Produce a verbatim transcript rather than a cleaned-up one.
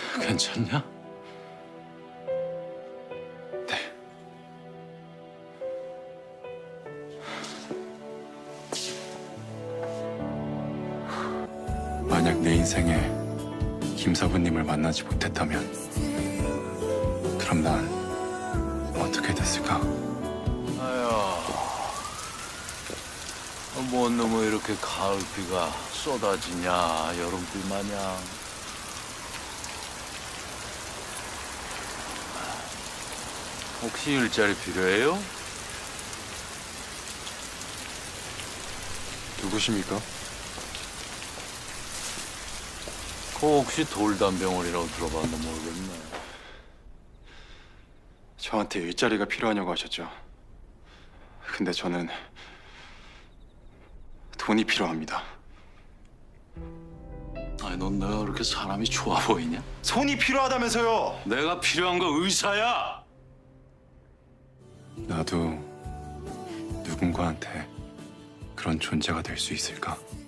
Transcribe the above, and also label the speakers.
Speaker 1: 괜찮냐?
Speaker 2: 네. 만약 내 인생에 김사부님을 만나지 못했다면 그럼 난 어떻게 됐을까?
Speaker 1: 아야, 뭔 놈의 이렇게 가을비가 쏟아지냐, 여름비 마냥. 혹시 일자리 필요해요?
Speaker 2: 누구십니까?
Speaker 1: 그 혹시 돌담병원이라고 들어봤나 모르겠네.
Speaker 2: 저한테 일자리가 필요하냐고 하셨죠. 근데 저는 돈이 필요합니다.
Speaker 1: 아니, 넌 내가 그렇게 사람이 좋아 보이냐?
Speaker 2: 손이 필요하다면서요.
Speaker 1: 내가 필요한 거 의사야!
Speaker 2: 나도 누군가한테 그런 존재가 될 수 있을까?